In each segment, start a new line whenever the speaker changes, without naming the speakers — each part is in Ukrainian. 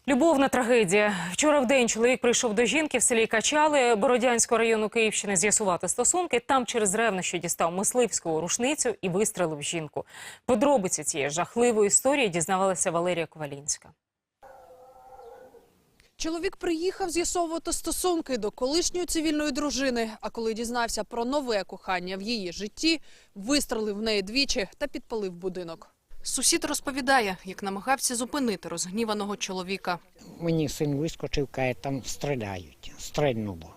Любовна трагедія. Вчора вдень чоловік прийшов до жінки в селі Качали Бородянського району Київщини з'ясувати стосунки. Там через ревнощі дістав мисливську рушницю і вистрелив жінку. Подробиці цієї жахливої історії дізнавалася Валерія Ковалінська.
Чоловік приїхав з'ясовувати стосунки до колишньої цивільної дружини, а коли дізнався про нове кохання в її житті, вистрелив в неї двічі та підпалив будинок. Сусід розповідає, як намагався зупинити розгніваного чоловіка.
Мені син вискочив, каже, там стріляють, стрельнуло.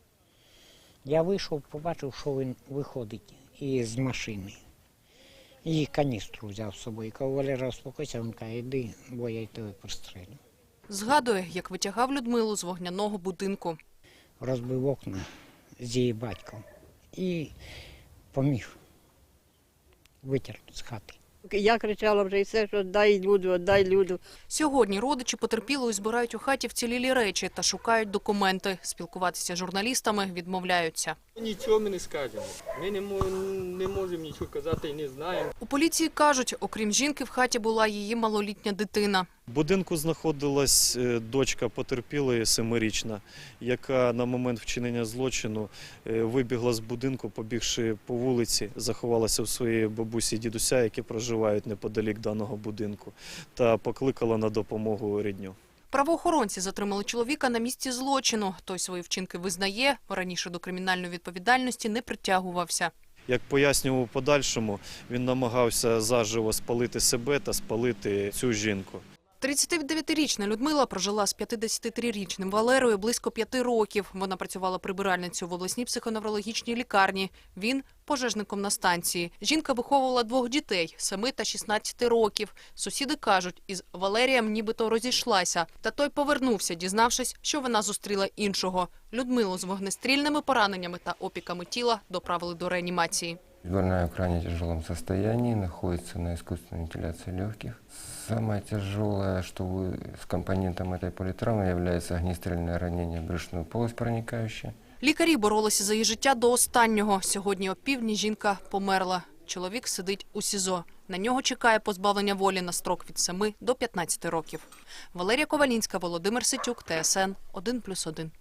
Я вийшов, побачив, що він виходить із машини. І каністру взяв з собою. Кажу, Валера, успокойся, він каже, йди, бо я й тебе пристрелю.
Згадує, як витягав Людмилу з вогняного будинку.
Розбив окна з її батьком і поміг витягнути з хати.
Я кричала вже і все, що дай люду, дай люду.
Сьогодні родичі потерпілої збирають у хаті вцілілі речі та шукають документи. Спілкуватися з журналістами відмовляються.
Нічого ми не скажемо. Ми не можемо нічого казати і не знаємо.
У поліції кажуть, окрім жінки, в хаті була її малолітня дитина.
В будинку знаходилась дочка потерпілої 7-річна, яка на момент вчинення злочину вибігла з будинку, побігши по вулиці, заховалася в своїй бабусі і дідуся, які проживають неподалік даного будинку, та покликала на допомогу рідню.
Правоохоронці затримали чоловіка на місці злочину. Той свої вчинки визнає, раніше до кримінальної відповідальності не притягувався.
Як пояснював у подальшому, він намагався заживо спалити себе та спалити цю жінку.
39-річна Людмила прожила з 53-річним Валерою близько 5 років. Вона працювала прибиральницею в обласній психоневрологічній лікарні. Він – пожежником на станції. Жінка виховувала 2 дітей – 7 та 16 років. Сусіди кажуть, із Валерієм нібито розійшлася. Та той повернувся, дізнавшись, що вона зустріла іншого. Людмилу з вогнестрільними пораненнями та опіками тіла доправили до реанімації.
Больная в крайне тяжелом состоянии, находится на искусственной вентиляции легких. Самое тяжелое, что с компонентом этой политравмы является огнестрельное ранение в брюшную полость проникающее.
Лікарі боролися за її життя до останнього. Сьогодні о півдні жінка померла. Чоловік сидить у СІЗО. На нього чекає позбавлення волі на строк від 7 до 15 років. Валерія Ковалінська, Володимир Ситюк, ТСН 1+1.